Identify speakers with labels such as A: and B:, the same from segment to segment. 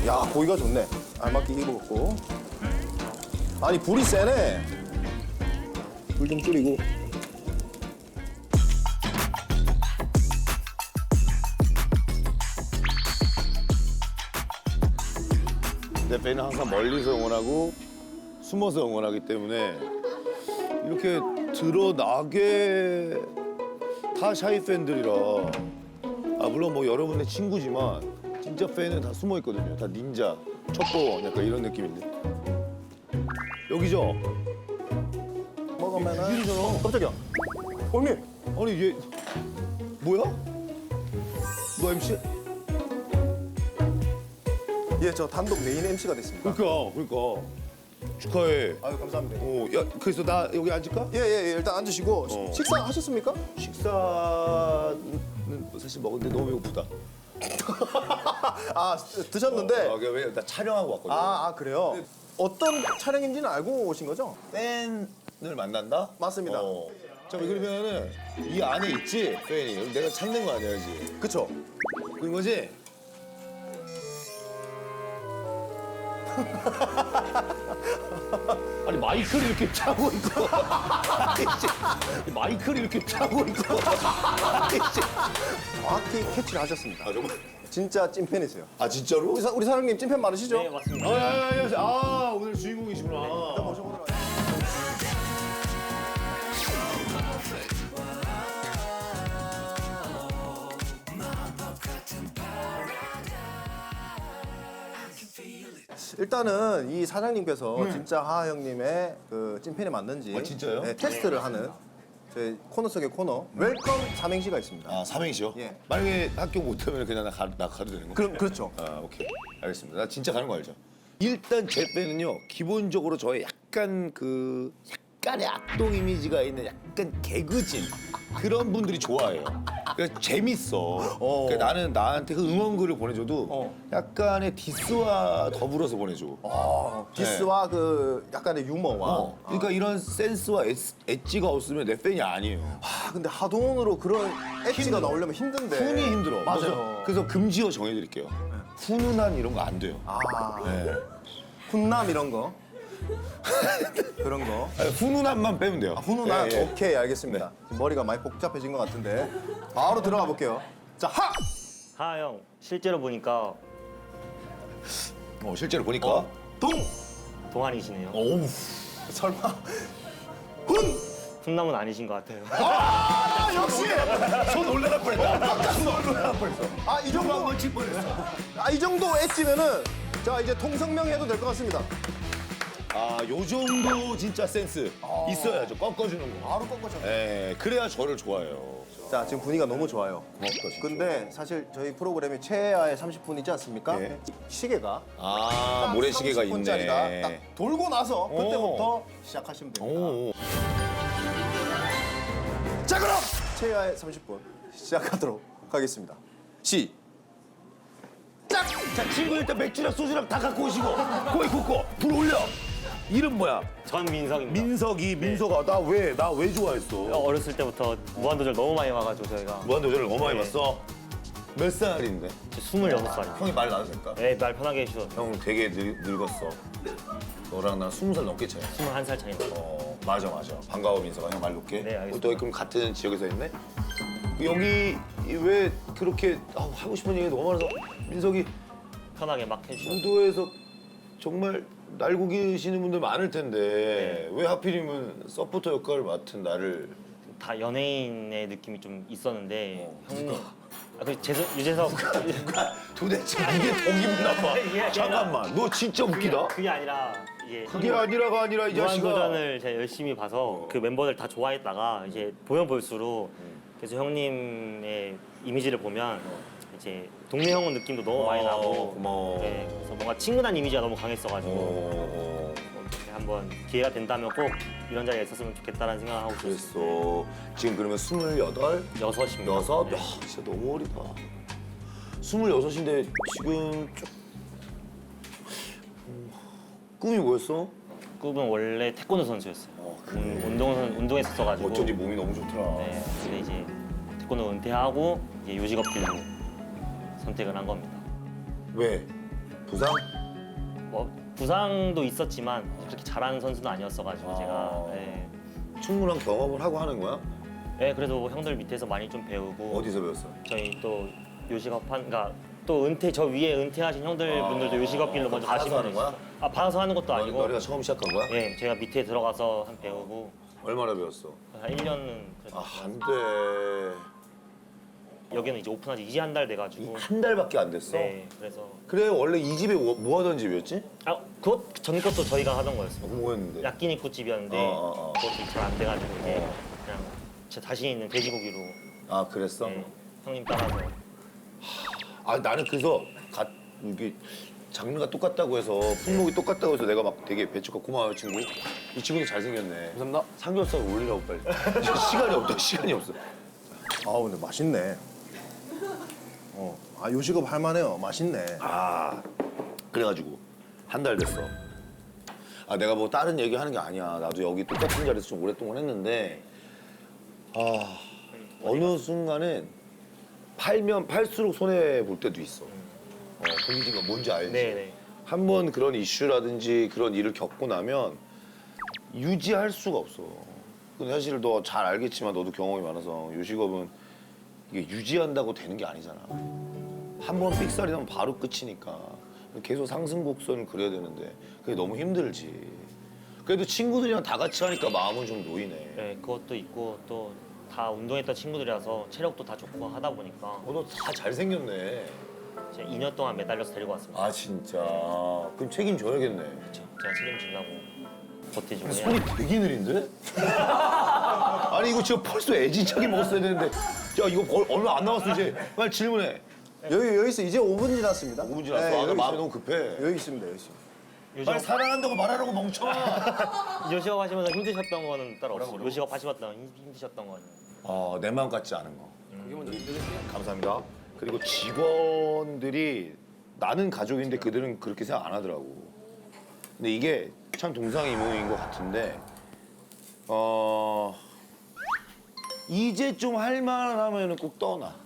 A: 야, 고기가 좋네. 알맞게 익었고. 아니, 불이 세네. 불 좀 줄이고.
B: 내 팬은 항상 멀리서 응원하고 숨어서 응원하기 때문에 이렇게 드러나게 다 샤이 팬들이라 물론 뭐 여러분의 친구지만 진짜 팬은 다 숨어 있거든요. 다 닌자, 첩보 약간 이런 느낌인데 여기죠?
A: 먹으면은.
B: 일이잖아.
A: 깜짝이야. 형님.
B: 아니 얘 뭐야? 너 MC?
A: 예, 저 단독 메인 MC가 됐습니다.
B: 그러니까 축하해.
A: 아유, 감사합니다.
B: 야 그래서 나 여기 앉을까?
A: 예, 일단 앉으시고. 식사하셨습니까?
B: 식사는 사실 먹었는데 너무 배고프다.
A: 아, 드셨는데.
B: 왜 나 촬영하고 왔거든.
A: 그래요? 어떤 촬영인지는 알고 오신 거죠?
B: 팬을 만난다?
A: 맞습니다.
B: 자 그러면은 이 안에 있지 팬이. 내가 찾는 거 아니야지.
A: 그쵸?
B: 그런 거지? 아니 마이크를 이렇게 차고 있고 마이크를 이렇게 차고 있고
A: 정확히 캐치를 하셨습니다.
B: 정말?
A: 진짜 찐팬이세요.
B: 진짜로?
A: 우리 사장님 찐팬 많으시죠?
C: 네, 맞습니다.
B: 오늘 주인공이시구나.
A: 일단은 이 사장님께서 진짜 하하 형님의 그 찐팬이 맞는지
B: 진짜요?
A: 네, 테스트를 하는 저희 코너 속의 코너 웰컴 삼행시가 있습니다.
B: 삼행시요?
A: 예.
B: 만약에 학교 못하면 그냥 나 가도 되는 거?
A: 그렇죠.
B: 오케이. 알겠습니다. 나 진짜 가는 거 알죠? 일단 제 팬은요, 기본적으로 저의 약간의 악동 이미지가 있는 약간 개그진 그런 분들이 좋아해요. 그러니까 재밌어. 그러니까 나는 나한테 그 응원글을 보내줘도 약간의 디스와 더불어서 보내줘.
A: 디스와 그 약간의 유머와.
B: 그러니까 이런 센스와 엣지가 없으면 내 팬이 아니에요.
A: 근데 하동으로 그런 엣지가 나오려면 힘든데.
B: 훈이 힘들어.
A: 맞아요.
B: 그래서 금지어 정해드릴게요. 훈훈한 이런 거 안 돼요. 네.
A: 훈남 이런 거. 그런 거.
B: 훈훈함만 빼면 돼요.
A: 훈훈한.
B: 예, 예.
A: 오케이, 알겠습니다. 지금 머리가 많이 복잡해진 것 같은데. 바로 들어가 볼게요. 자, 하!
C: 하하 형, 실제로 보니까
B: 실제로 보니까
A: 동!
C: 동안이시네요.
B: 어우.
A: 설마. 훈!
C: 훈남은 아니신 것 같아요.
A: 역시!
B: 손 올라갈 뻔했다. 손 올라갈 뻔했어.
A: 이 정도.
B: 한번 칠 뻔했어.
A: 이 정도 엣지면은 자, 이제 통성명 해도 될 것 같습니다.
B: 요 정도 진짜 센스 있어야죠. 꺾어주는 거.
A: 바로 꺾어져.
B: 예, 그래야 저를 좋아해요.
A: 자, 지금 분위기가 너무 좋아요.
B: 고맙다, 진짜.
A: 근데 사실 저희 프로그램이 최하의 30분이지 않습니까?
B: 예.
A: 시계가
B: 모래시계가
A: 30분짜리가
B: 있네.
A: 딱 돌고 나서 그때부터 시작하시면 됩니다.
B: 오.
A: 자, 그럼 최하의 30분 시작하도록 하겠습니다. 시작!
B: 자, 친구 일단 맥주랑 소주랑 다 갖고 오시고 고기 굽고 불 올려. 이름 뭐야?
C: 전민석입니다.
B: 민석아. 나 왜 좋아했어?
C: 어렸을 때부터 무한도전 너무 많이 와가지고 저희가
B: 무한도전을 너무 많이
C: 네.
B: 봤어. 몇 살인데?
C: 26살이에요.
B: 형이 말 나도 될까?
C: 네, 말 편하게 해주셔도 돼요.
B: 형 되게 늙었어. 너랑 나 20살 넘게 차이.
C: 21살 차이나.
B: 맞아. 반가워 민석아. 형 말 놓게.
C: 네, 알겠습니다.
B: 또 그럼 같은 지역에서 있네? 여기 왜 그렇게 하고 싶은 얘기 너무 많아서 민석이
C: 편하게 막 해주셔도
B: 무도에서 정말 날고 계시는 분들 많을 텐데
C: 네.
B: 왜 하필이면 서포터 역할을 맡은 나를
C: 다 연예인의 느낌이 좀 있었는데 형님 유재석
B: 도대체 이게 더 기분 나빠.
C: 이게 아니라-
B: 잠깐만 너 진짜 웃기다.
C: 그게 아니라 이게
B: 그게 아니라가 아니라 이 자식아.
C: 무한도전을 제가 열심히 봐서 그 멤버들 다 좋아했다가 이제 보면 볼수록 그래서 형님의 이미지를 보면 이제 동네 형은 느낌도 너무 많이 나고
B: 고마워.
C: 네, 그래서 뭔가 친근한 이미지가 너무 강했어가지고 한번 기회가 된다면 꼭 이런 자리에 있었으면 좋겠다라는 생각을 하고 있었어요.
B: 그랬어. 지금 그러면 28?
C: 여섯입니다.
B: 여섯?
C: 네.
B: 야, 진짜 너무 어리다. 26인데 지금 꿈이 뭐였어?
C: 꿈은 원래 태권도 선수였어요. 운동했었어가지고.
B: 어쩐지 몸이 너무 좋더라.
C: 네, 근데 이제 태권도 은퇴하고 이제 요직업 길로 선택을 한 겁니다.
B: 왜? 부상?
C: 뭐 부상도 있었지만 그렇게 잘하는 선수는 아니었어가지고 제가 예.
B: 충분한 경험을 하고 하는 거야?
C: 예, 그래도 형들 밑에서 많이 좀 배우고
B: 어디서 배웠어?
C: 저희 또 요식업한 그러니까 또 은퇴 저 위에 은퇴하신 형들 분들도 요식업 길로 먼저
B: 받아서
C: 가시면
B: 하는 거야?
C: 아 받아서 하는 것도 아니고
B: 너희가 처음 시작한 거야?
C: 예, 제가 밑에 들어가서 한 배우고
B: 얼마나 배웠어?
C: 한 1년은 그래도
B: 안 돼.
C: 여기는 이제 오픈한 지 이제 한 달 돼가지고
B: 한 달밖에 안 됐어?
C: 네, 그래서
B: 그래 원래 이 집이 뭐 하던 집이었지?
C: 아 그것 전 것도 저희가 하던 거였어요.
B: 뭐였는데?
C: 야끼니쿠 집이었는데 그것도 잘 안 돼가지고 이제 그냥 제 자신 있는 돼지고기로
B: 아 그랬어?
C: 예, 형님 따라서
B: 아 나는 그래서 이게 장르가 똑같다고 해서 품목이 똑같다고 해서 내가 막 되게 배추가 고마워요 친구. 이 친구도 잘생겼네.
A: 감사합니다.
B: 삼겹살 올리라고 빨리. 시간이 없다 시간이 없어.
A: 아 근데 맛있네. 아 요식업 할만해요. 맛있네.
B: 아 그래가지고 한 달 됐어. 아 내가 뭐 다른 얘기 하는 게 아니야. 나도 여기 똑같은 자리에서 좀 오랫동안 했는데 아 어느 순간은 팔면 팔수록 손해 볼 때도 있어. 공기가 뭔지 알지?
C: 네네
B: 한 번 그런 이슈라든지 그런 일을 겪고 나면 유지할 수가 없어. 근데 사실 너 잘 알겠지만 너도 경험이 많아서 요식업은 이게 유지한다고 되는 게 아니잖아. 한 번 삑살이 나면 바로 끝이니까 계속 상승 곡선을 그려야 되는데 그게 너무 힘들지. 그래도 친구들이랑 다 같이 하니까 마음은 좀 놓이네.
C: 네, 그것도 있고 또 다 운동했던 친구들이라서 체력도 다 좋고 하다 보니까
B: 너 다 잘생겼네.
C: 제가 2년 동안 매달려서 데리고 왔습니다.
B: 아 진짜. 그럼 책임져야겠네.
C: 제가 책임지려고 버티주고
B: 손이
C: 해야
B: 되게 느린데? 아니 이거 지금 벌써 애진차게 먹었어야 되는데 야 이거 얼마 안 남았어 이제 빨리 질문해.
A: 여기 있어. 이제 5분 지났습니다.
B: 5분 지났어.
A: 네,
B: 아, 나
A: 여기
B: 마음이
A: 있어요.
B: 너무 급해.
A: 여기 있습니다. 여기 있습니다.
B: 빨리 사랑한다고 말하라고 멍청아.
C: 요식업 하시면서 힘드셨던 거는 따로 없어요. 요식업 하시면서 힘드셨던 거는
B: 내 마음 같지 않은 거. 감사합니다. 그리고 직원들이 나는 가족인데 그들은 그렇게 생각 안 하더라고. 근데 이게 참 동상이몽인 것 같은데 이제 좀 할만하면 꼭 떠나.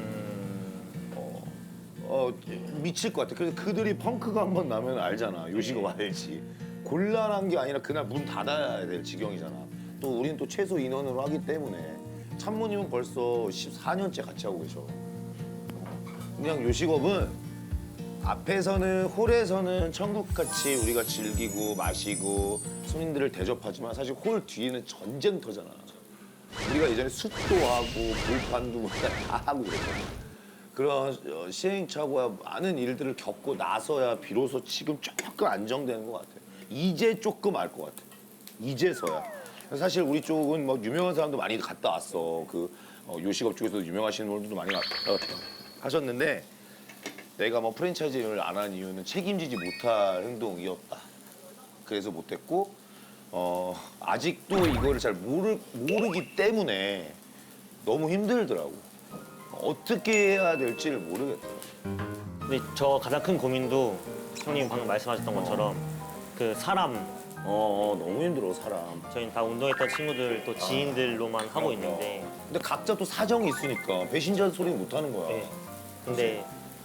B: 미칠 것 같아. 그래서 그들이 펑크가 한 번 나면 알잖아. 요식업 알지. 곤란한 게 아니라 그날 문 닫아야 될 지경이잖아. 또 우리는 또 최소 인원으로 하기 때문에 참모님은 벌써 14년째 같이 하고 계셔. 그냥 요식업은 앞에서는 홀에서는 천국같이 우리가 즐기고 마시고 손님들을 대접하지만 사실 홀 뒤에는 전쟁터잖아. 우리가 예전에 숯도 하고 불판도 뭐 다 하고 그랬잖아. 그런 시행착오와 많은 일들을 겪고 나서야 비로소 지금 조금 안정되는 것 같아. 이제 조금 알 것 같아. 이제서야. 사실 우리 쪽은 뭐 유명한 사람도 많이 갔다 왔어. 그 요식업 쪽에서도 유명하시는 분들도 많이 하셨는데 내가 뭐 프랜차이즈를 안 한 이유는 책임지지 못할 행동이었다. 그래서 못했고 아직도 이거를 잘 모르기 때문에 너무 힘들더라고. 어떻게 해야 될지를 모르겠더라고.
C: 근데 저 가장 큰 고민도 형님 방금 말씀하셨던 것처럼 그 사람
B: 너무 힘들어 사람.
C: 저희는 다 운동했던 친구들 또 지인들로만 하고 있는데
B: 근데 각자 또 사정이 있으니까 배신자 소리 못 하는 거야.
C: 네. 근데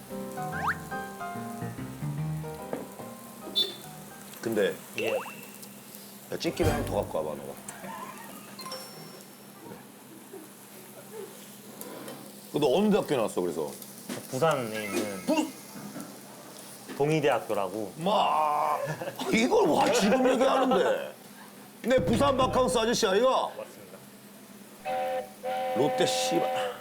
B: 근데
C: 이게
B: 야, 찍기를 한 번 더 갖고 와봐 너가. 너 어느 대학교 나왔어 그래서?
C: 부산에 있는 동의대학교라고
B: 이걸 와 지금 얘기하는데 내 부산 바캉스 아저씨 아이가?
C: 맞습니다.
B: 롯데 씨발.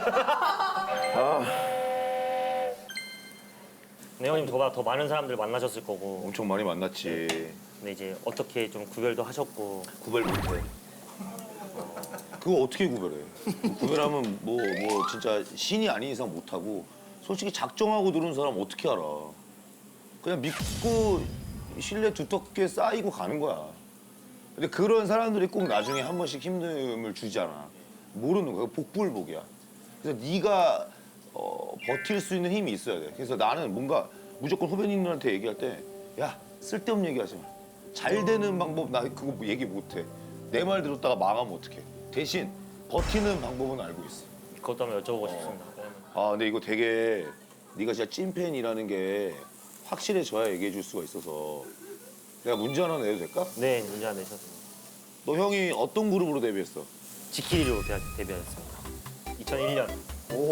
C: 근데 형님 저보다 더 많은 사람들 만나셨을 거고
B: 엄청 많이 만났지.
C: 근데 이제 어떻게 좀 구별도 하셨고
B: 구별 못해. 그거 어떻게 구별해? 구별하면 뭐 진짜 신이 아닌 이상 못하고 솔직히 작정하고 들은 사람 어떻게 알아? 그냥 믿고 신뢰 두텁게 쌓이고 가는 거야. 근데 그런 사람들이 꼭 나중에 한 번씩 힘듦을 주잖아. 모르는 거야. 복불복이야. 그래서 네가 버틸 수 있는 힘이 있어야 돼. 그래서 나는 뭔가 무조건 후배님들한테 얘기할 때 야 쓸데없는 얘기하지 마. 잘 되는 방법 나 그거 얘기 못해. 내 말 들었다가 망하면 어떡해. 대신 버티는 방법은 알고 있어.
C: 그것도 한번 여쭤보고 싶습니다. 왜냐면
B: 근데 이거 되게 네가 진짜 찐팬이라는 게 확실해져야 얘기해 줄 수가 있어서 내가 문제 하나 내도 될까?
C: 네, 문제 안 내셨습니다.
B: 너 형이 어떤 그룹으로 데뷔했어?
C: 지키리로 데뷔했습니다. 2001년.
A: 오.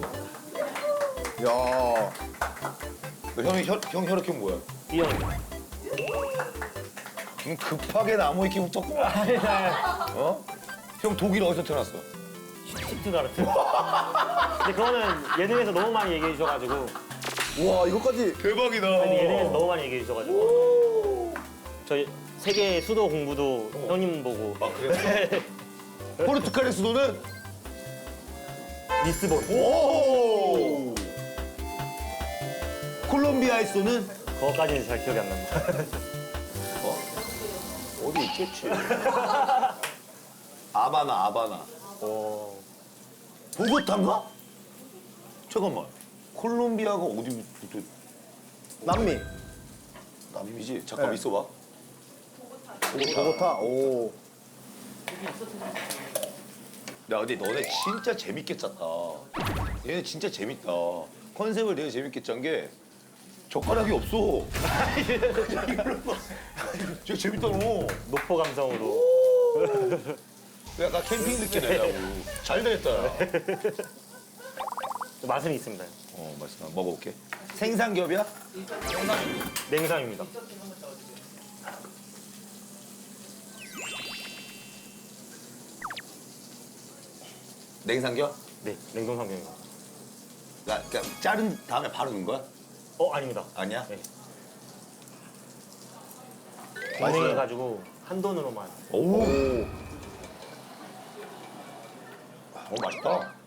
A: 야.
B: 너 형이 형 혈액형 뭐야?
C: B형입니다.
B: 급하게 나무 위키 붙었구나. 어? 형 독일 어디서 태어났어?
C: 시트가르트. 근데 그거는 예능에서 너무 많이 얘기해 주셔가지고
A: 와, 이것까지.
B: 대박이다.
C: 아니, 예능에서 너무 많이 얘기해 주셔가지고 저희 세계 수도 공부도 형님 보고
B: 아 그래? 포르투갈의 수도는?
C: 리스본.
B: 오! 콜롬비아의 수도는?
C: 그거까지는 잘 기억이 안 납니다.
B: 어디 있겠지. 아바나.
C: 어,
B: 보고타인가? 잠깐만. 콜롬비아가 어디부터
A: 남미.
B: 남미지? 잠깐
A: 네.
B: 있어봐.
A: 보고타. 오.
B: 야, 근데 너네 진짜 재밌게 짰다. 얘네 진짜 재밌다. 컨셉을 되게 재밌게 짠 게 젓가락이 없어. 진짜 재밌다 너.
C: 노포 감성으로.
B: 약간 캠핑 느낌 내려고. 잘 됐다.
C: 맛은 있습니다.
B: 맛있다. 먹어볼게. 생삼겹이야?
C: 냉삼입니다.
B: 냉삼겹?
C: 네, 냉동 삼겹입니다.
B: 그러니까 자른 다음에 바로 넣은 거야?
C: 아닙니다.
B: 아니야?
C: 네. 동맹해가지고 한 돈으로만.
B: 오. 맛있다.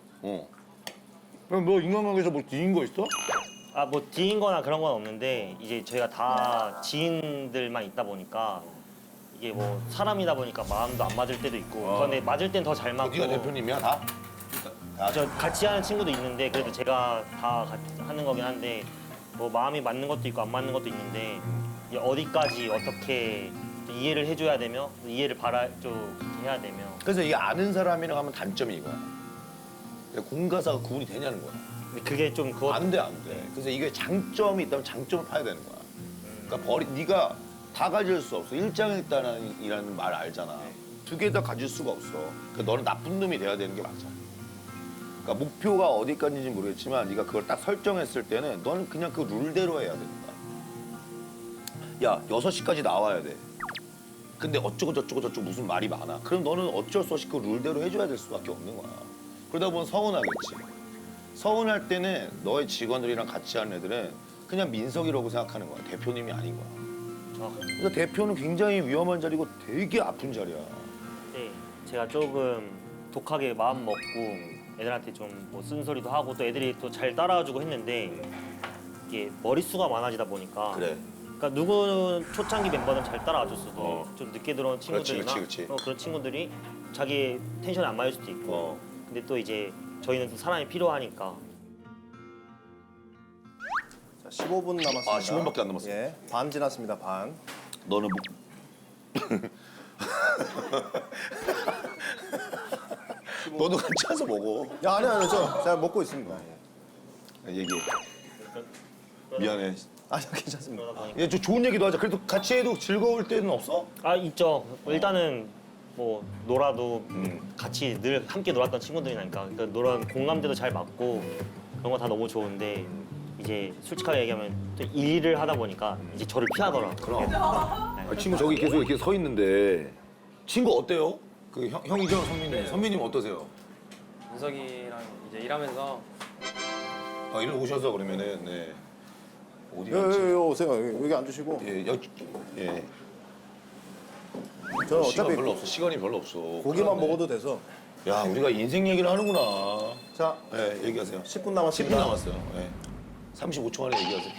B: 그럼 너 인간관계에서 뭐 뒤인 거 있어?
C: 아, 뭐 뒤인 거나 그런 건 없는데 이제 저희가 다 지인들만 있다 보니까 이게 뭐 사람이다 보니까 마음도 안 맞을 때도 있고 그런데 맞을 땐 더 잘 맞고
B: 네가 대표님이야 다?
C: 저 같이 하는 친구도 있는데 그래도 제가 다 같이 하는 거긴 한데 뭐 마음이 맞는 것도 있고 안 맞는 것도 있는데 이게 어디까지 어떻게 또 이해를 해줘야 되며 또 이해를 좀 해야 되며
B: 그래서 이게 아는 사람이랑 하면 단점이 이거야. 공과사가 구분이 되냐는 거야.
C: 근데 그게 좀 그것
B: 안 돼. 그래서 이게 장점이 있다면 장점을 파야 되는 거야. 그러니까 네가 다 가질 수 없어. 일장일단이라는 말 알잖아. 두 개 다 가질 수가 없어. 그러니까 너는 나쁜 놈이 돼야 되는 게 맞아. 그러니까 목표가 어디까지인지 모르겠지만 네가 그걸 딱 설정했을 때는 너는 그냥 그 룰대로 해야 되는 거야. 야, 6시까지 나와야 돼. 근데 어쩌고 저쩌고 무슨 말이 많아. 그럼 너는 어쩔 수 없이 그 룰대로 해줘야 될 수밖에 없는 거야. 그러다 보면 서운하겠지. 서운할 때는 너의 직원들이랑 같이 하는 애들은 그냥 민석이라고 생각하는 거야. 대표님이 아닌 거야. 그래서 대표는 굉장히 위험한 자리고 되게 아픈 자리야.
C: 네, 제가 조금 독하게 마음 먹고 애들한테 좀 뭐 쓴소리도 하고 또 애들이 또 잘 따라와주고 했는데 이게 머릿수가 많아지다 보니까
B: 그래.
C: 그러니까 누구는 초창기 멤버는 잘 따라와줬어도 좀 늦게 들어온 친구들이나
B: 그렇지.
C: 그런 친구들이 자기 텐션에 안 맞을 수도 있고 근데 또 이제 저희는 또 사람이 필요하니까
A: 자, 15분 남았습니다.
B: 아, 15분밖에 안 남았어요.
A: 예. 반 지났습니다. 반.
B: 너는 뭐... 너도 같이 와서 먹어.
A: 야, 아니, 제가 먹고 있습니다.
B: 얘기해. 미안해.
A: 아, 괜찮습니다.
B: 야, 좀 좋은 얘기도 하자. 그래도 같이 해도 즐거울 때는 없어?
C: 아 있죠. 일단은 뭐 놀아도 같이 늘 함께 놀았던 친구들이니까 그러니까 공감대도 잘 맞고 그런 거 다 너무 좋은데 이제 솔직하게 얘기하면 또 일을 하다 보니까 이제 저를 피하더라고요.
B: 그럼. 아, 친구 저기 계속 이렇게 서 있는데 친구 어때요? 그 형이죠, 선배님. 선배님 어떠세요?
D: 민석이랑 이제 일하면서
B: 아, 일로 오셔서 그러면은 네. 어디
A: 요,
B: 갔지?
A: 요, 요, 오세요. 여기 앉으시고.
B: 예, 예.
A: 저는
B: 시간
A: 어차피
B: 별로 없어. 시간이 별로 없어.
A: 고기만
B: 그러네.
A: 먹어도 돼서.
B: 야, 우리가 인생 얘기를 하는구나.
A: 자,
B: 네, 얘기하세요.
A: 10분
B: 10분
A: 남았습니다.
B: 남았어요. 네. 35초 만에 얘기하세요.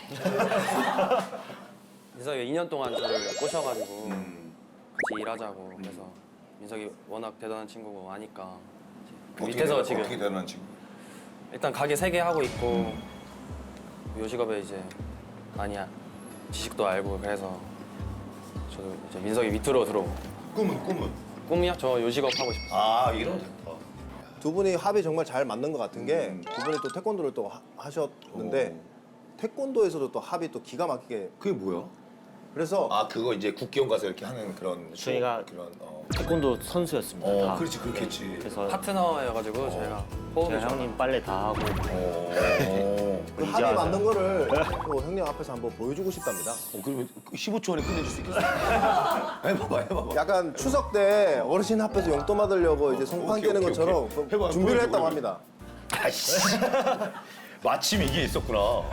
D: 민석이가 2년 동안 저를 꼬셔가지고 같이 일하자고 그래서 민석이 워낙 대단한 친구고 아니까 이제 그 밑에서 지금
B: 어떻게 대단한 친구?
D: 일단 가게 3개 하고 있고 요식업에 이제 많이 지식도 알고 그래서 저도 이제 민석이 밑으로 들어오고
B: 꿈은?
D: 꿈이요? 저 요식업 하고 싶어요.
B: 아, 이러면 됐다.
A: 두 분이 합이 정말 잘 맞는 것 같은 게 두 분이 또 태권도를 또 하셨는데 태권도에서도 또 합이 또 기가 막히게.
B: 그게 뭐야?
A: 그래서
B: 아 그거 이제 국기원 가서 이렇게 하는 그런
C: 저희가
B: 그런
C: 태권도 선수였습니다. 다.
B: 그렇지 그렇겠지.
C: 그래서
D: 파트너여가지고 저희가 호흡이
C: 제가 형님 빨래 다 하고
A: 그 합이
C: 이제
A: 맞는 거를 또 형님 앞에서 한번 보여주고 싶답니다.
B: 그러면 15초 안에 끝내줄 수 있겠어? 해봐봐.
A: 약간 추석 때 어르신 앞에서 용돈 받으려고 이제 송판
B: 오케이,
A: 깨는
B: 오케이,
A: 것처럼
B: 오케이.
A: 그
B: 해봐,
A: 준비를
B: 보여줘,
A: 했다고
B: 보여줘.
A: 합니다.
B: 아이씨. 마침 이게 있었구나.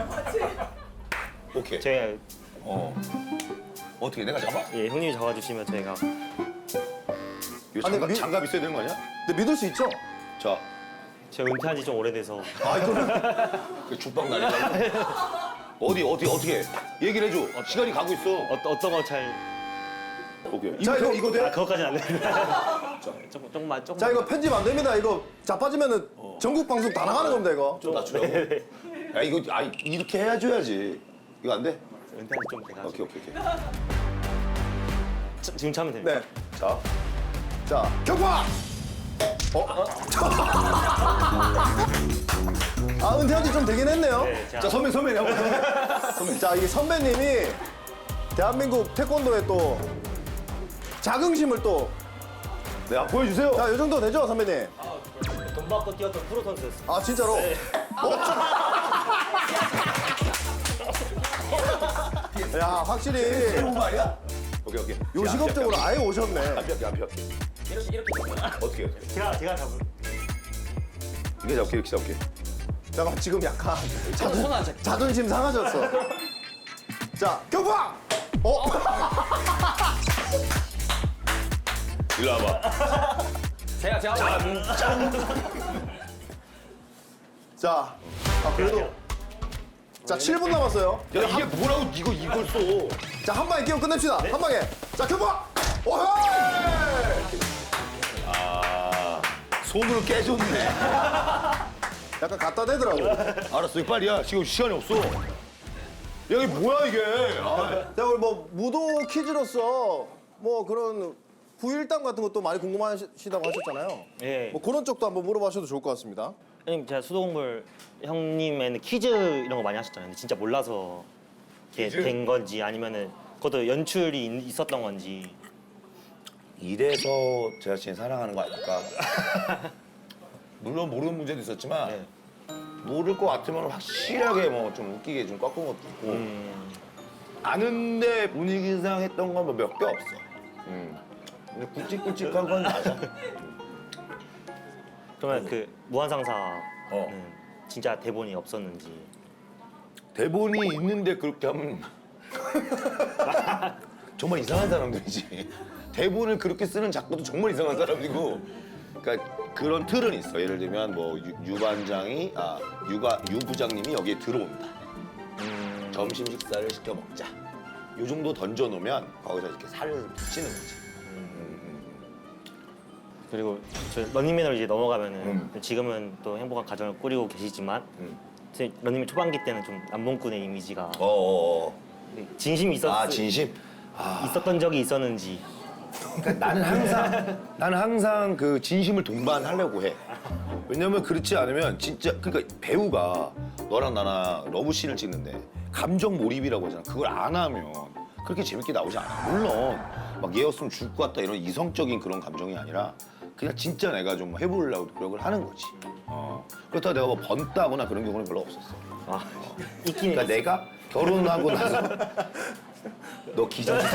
B: 오케이.
C: 제가
B: 어떻게 내가 잡아?
C: 예, 형님이 잡아주시면 저희가
B: 이거
A: 아니,
B: 장갑 있어야 되는 거 아니야?
A: 근데 믿을 수 있죠?
B: 자,
C: 제가 은퇴한 지 좀 오래돼서
B: 그 죽방 날리려고. 어떻게 얘기를 해줘. 시간이 가고 있어.
C: 어떤 거 잘
B: 오케이.
A: 자, 이거 돼?
C: 그것까지는 안 됩니다. 조금만.
A: 자, 이거 편집 안 됩니다. 이거 자빠지면은 전국 방송 다 나가는 겁니다, 이거.
B: 좀 낮추라고. 야 이거 이렇게 해줘야지. 이거 안 돼?
C: 은퇴한 지 좀 돼가지고
B: 오케이.
C: 지금 차면 됩니다.
A: 네.
B: 자,
A: 자, 격파! 아, 은퇴한 지 좀 되긴 했네요.
C: 네,
B: 자 선배님 한번.
A: 자, 이게 선배님이 대한민국 태권도에 또 자긍심을 또.
B: 네, 보여주세요.
A: 자, 이 정도 되죠, 선배님?
C: 돈 받고 뛰었던 프로 선수였어요.
A: 아, 진짜로? 야, 확실히
B: 좋은 거 아니야? 오케이.
A: 요식업적으로 아예 오셨네.
B: 안 피할게. 이렇게 어떻게?
C: 제가 잡은.
B: 이렇게 잡게.
A: 잠깐만, 지금 약간
D: 손안 잡.
A: 자존심 상하셨어. 자, 격파!
B: 일로 와봐.
D: 제가
A: 자, 그래도. 자, 7분 남았어요.
B: 야 이게 뭐라고 이걸 써?
A: 자, 한 방에 끼워 끝냅시다. 한 방에. 자, 격파! 오헤이!
B: 손으로 깨졌네.
A: 약간 갖다 대더라고.
B: 알았어, 이거 빨리야. 지금 시간이 없어. 야, 이게 뭐야 이게?
A: 자, 우리 뭐 무도 퀴즈로서 뭐 그런 부일담 같은 것도 많이 궁금하시다고 하셨잖아요.
C: 예.
A: 뭐 그런 쪽도 한번 물어봐셔도 좋을 것 같습니다.
C: 형님 제가 수도공물 형님에는 퀴즈 이런 거 많이 하셨잖아요. 근데 진짜 몰라서 이렇게 된 건지 아니면은 그것도 연출이 있었던 건지.
B: 이래서 제가 진짜 사랑하는 거 아닐까? 물론 모르는 문제도 있었지만
C: 네.
B: 모를 것 같으면 확실하게 뭐 좀 웃기게 좀 꺾은 것도 있고 아는데 분위기상 했던 건 뭐 몇 개 없어. 근데 굵직굵직한 건 맞아.
C: 그러면 그 무한상사는
B: 어.
C: 진짜 대본이 없었는지.
B: 대본이 있는데 그렇게 하면 정말 이상한 사람들이지. 대본을 그렇게 쓰는 작가도 정말 이상한 사람이고. 그러니까 그런 틀은 있어. 예를 들면 뭐 유 반장이 유 부장님이 여기에 들어온다. 점심 식사를 시켜 먹자. 요 정도 던져 놓으면 거기서 이렇게 살을 붙이는 거지.
C: 그리고 저 런닝맨으로 이제 넘어가면은 지금은 또 행복한 가정을 꾸리고 계시지만 런닝맨 초반기 때는 좀 남봉꾼의 이미지가 진심이
B: 진심?
C: 있었던 적이 있었는지.
B: 그러니까 나는 항상 그 진심을 동반하려고 해. 왜냐면 그렇지 않으면 진짜 그러니까 배우가 너랑 나랑 러브씬을 찍는데 감정 몰입이라고 하잖아. 그걸 안 하면 그렇게 재밌게 나오지 않아. 물론 막 얘였으면 죽을 것 같다 이런 이성적인 그런 감정이 아니라 그냥 진짜 내가 좀 해보려고 노력을 하는 거지. 그렇다고 내가 뭐 번다거나 그런 경우는 별로 없었어.
C: 있긴
B: 그러니까 내가 결혼하고 나서 너 기자지?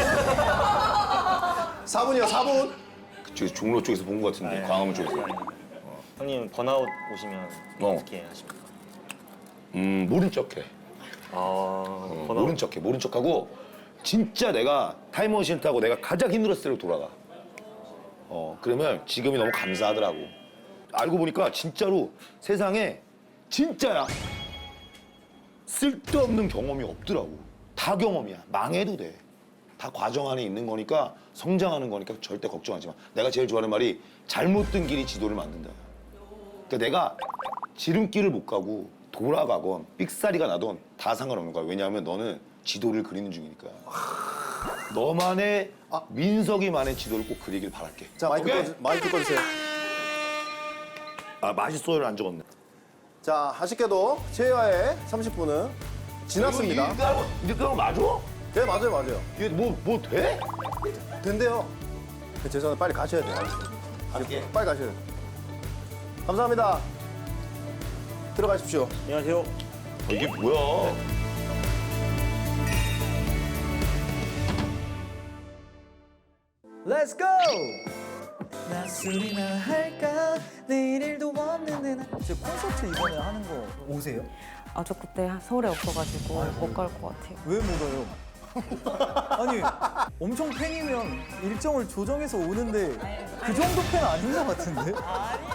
A: 4분이요, 4분.
B: 그쪽에서 종로 쪽에서 본 것 같은데 광화문 쪽에서.
C: 형님 번아웃 오시면 어떻게 하십니까?
B: 모른 척해. 모른 척해. 모른 척하고 진짜 내가 타임머신 타고 내가 가장 힘들었을 때로 돌아가. 그러면 지금이 너무 감사하더라고. 알고 보니까 진짜로 세상에 진짜야. 쓸데없는 경험이 없더라고. 다 경험이야. 망해도 돼. 다 과정 안에 있는 거니까 성장하는 거니까 절대 걱정하지 마. 내가 제일 좋아하는 말이 잘못된 길이 지도를 만든다. 그러니까 내가 지름길을 못 가고 돌아가건 삑사리가 나던 다 상관없는 거야. 왜냐하면 너는 지도를 그리는 중이니까. 너만의 민석이만의 지도를 꼭 그리길 바랄게.
A: 자, 마이크 꺼주세요.
B: 맛있어요를 안 적었네.
A: 자, 아쉽게도 최애와의 30분은 지났습니다.
B: 이제 그거 맞아?
A: 네, 맞아요, 맞아요.
B: 이게 뭐 돼?
A: 된대요. 죄송한데 빨리 가셔야 돼요.
B: 갈게.
A: 빨리 가셔야 돼요. 감사합니다. 들어가십시오.
C: 안녕하세요.
B: 이게 뭐야?
E: Let's go! 나 술이나 할까 내일 일도 없는데 나... 제 콘서트 이번에 하는 거 오세요?
F: 아, 저 그때 서울에 없어가지고 못 갈 것 같아요.
E: 왜 못 와요? 아니 엄청 팬이면 일정을 조정해서 오는데 그 정도 팬 아닌 것 같은데?